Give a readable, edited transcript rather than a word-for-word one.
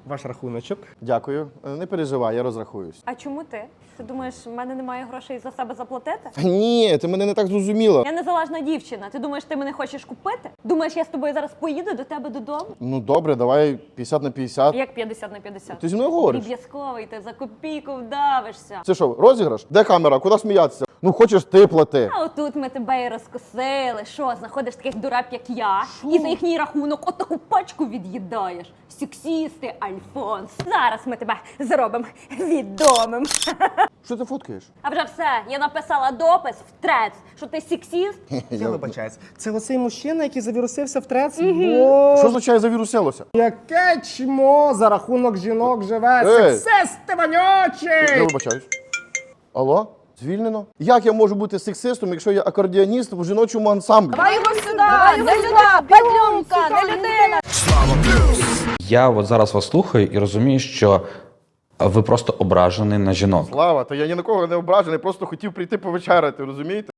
Ваш рахуночок. Дякую. Не переживай, я розрахуюсь. А чому ти? Ти думаєш, в мене немає грошей за себе заплатити? Ні, ти мене не так зрозуміла. Я незалежна дівчина. Ти думаєш, ти мене хочеш купити? Думаєш, я з тобою зараз поїду до тебе додому? Ну добре, давай 50 на 50. Як 50 на 50? Ти зі мною говориш? Дріб'язковий, ти за копійку вдавишся. Це що, розіграш? Де камера? Куди сміятися? Ну хочеш ти плати. А отут ми тебе і розкосили. Що, знаходиш таких дурак, як я, і за їхній рахунок от таку пачку від'їдаєш. Сексісти, Альфонс. Зараз ми тебе зробимо відомим. Що ти фоткаєш? А вже все, я написала допис в трец, що ти сексіст. Я вибачаюсь. Це оцей мужчина, який завірусився в трец? Що означає завіруселося? Яке чмо за рахунок жінок живе? Ей! Сексисти Я вонючий! вибачаюсь. Алло? Звільнено? Як я можу бути сексистом, якщо я акордіоніст в жіночому ансамблі? Давай його сюди! Не людина, падлюнка, не людина! Я от зараз вас слухаю і розумію, що ви просто ображений на жінок. Слава, та я ні на кого не ображений, просто хотів прийти повечеряти, розумієте?